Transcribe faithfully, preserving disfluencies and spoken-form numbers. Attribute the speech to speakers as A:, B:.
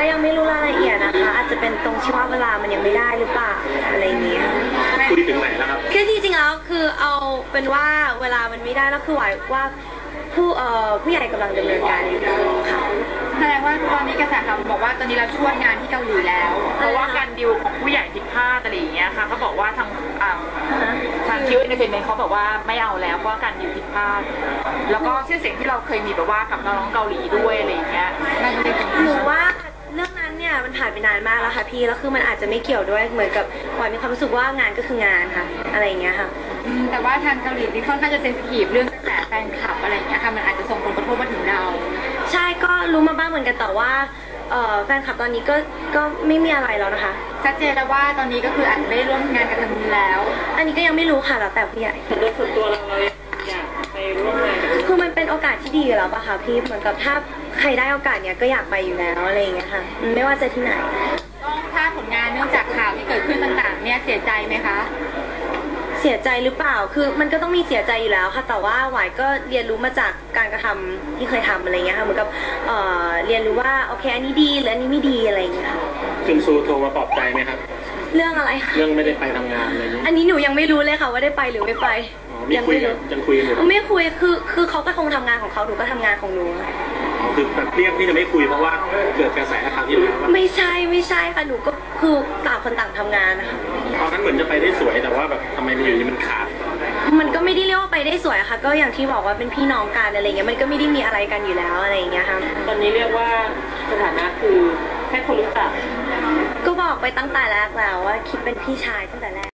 A: ยังไม่รู้รายละเอียดนะคะอาจจะเป็นตรงที่ว่าเวลามันยังไม่ได้หรือเปล่าอะไรเงี้ย
B: คุยถึงไหนแล้วครับ
A: คือจริงๆแล้วคือเอาเป็นว่าเวลามันไม่ได้แล้วคือหวายว่าผู้เอ่อผู้ใหญ่กำลังดำเนินการอยู่ค่ะ
C: แสดงว่าตอนนี้กระแสข่าวบอกว่าตอนนี้เราชวดงานที่เกาหลีแล้วเพราะว่าการดิวของผู้ใหญ่ผิดพลาดอะไรอย่างเงี้ยค่ะเขาบอกว่าทางทางคิวเอนเตอร์เทนเมนต์เขาบอกว่าไม่เอาแล้วเพราะการดิวผิดพลาดแล้วก็ชื่อเสียงที่เราเคยมีแบบว่ากับน้องเกาหลีด้วยอะไรอย่างเงี้ย
A: หนูว่าเรื่องนั้นเนี่ยมันผ่านไปนานมากแล้วค่ะพี่แล้วคือมันอาจจะไม่เกี่ยวด้วยเหมือนกับหวายมีความรู้สึกว่างานก็คืองานค่ะอะไรอย่างเงี้ยค่ะ
C: แต่ว่าทางเกาหลีนี่ค่อนข้างจะเซนซิทีฟเรื่องกระแสแฟนคลับอะไรอย่างเงี้ยค่ะมันอาจจะส่งผลกระทบมาถึงเรา
A: ใช่ก็รู้มาบ้างเหมือนกันแต่ว่าแฟนคลับตอนนี้ก็ก็ไม่มีอะไรแล้วนะคะ
C: ชัดเจนแล้วว่าตอนนี้ก็คืออาจจะไม่ได้ร่วมงานกับทางนู้นแล้ว
A: อันนี้ก็ยังไม่รู้ค่ะแล้วแต่ผู้ใหญ่
B: แต่โดยส่วนตัวเราเราอยากไปร่วมงานกับ
A: คือมันเป็นโอกาสที่ดีแล้วป่ะคะพี่เหมือนกับถ้าใครได้โอกาสเนี้ยก็อยากไปอยู่แล้วอะไรอย่างเงี้ยค่ะไม่ว่าจะที่ไหน
C: ต้องถ้าผลงานเนื่องจากข่าวที่เกิดขึ้นต่างๆเนี่ยเสียใจไหมคะ
A: เสียใจหรือเปล่าคือมันก็ต้องมีเสียใจอยู่แล้วค่ะแต่ว่าหวายก็เรียนรู้มาจากการกระทำที่เคยทำอะไรเงี้ยค่ะเหมือนกับเอ่อเรียนรู้ว่าโอเคอันนี้ดีหรืออันนี้ไม่ดีอะไรเงี้ยค่ะ
B: จุนซูโทรมาปลอบใจไหมครับ
A: เรื่องอะไร
B: เรื่องไม่ได้ไปทำงานอะไรนี้
A: อันนี้หนูยังไม่รู้เลยค่ะว่าได้ไปหรือไม่ไป
B: ยังไม่รู้ยังคุยอยู่
A: ไม่คุยคือคือเขาก็คงทำงานของเขาหนูก็ทำงานของหนู
B: คือแบบเรียกที่จะไม่คุยเพราะว่าเกิดกระแสข่าวที่แล้ว
A: ไม่ใช่ไม่ใช่ค่ะหนูก็คือต่างคนต่างทำงานนะคะ
B: ตอนนั้นเหมือนจะไปได้สวยแต่ว่าแบบทำไมมันอยู่นี่มันขาด
A: มันก็ไม่ได้เรียกว่าไปได้สวยค่ะก็อย่างที่บอกว่าเป็นพี่น้องกันอะไรเงี้ยมันก็ไม่ได้มีอะไรกันอยู่แล้วอะไรอย่างเงี้ยค่ะ
B: ตอนนี้เรียกว่าสถานะคือแค่คนรู้จัก
A: ก็บอกไปตั้งแต่แรกแล้วว่าคิดเป็นพี่ชายตั้งแต่แรก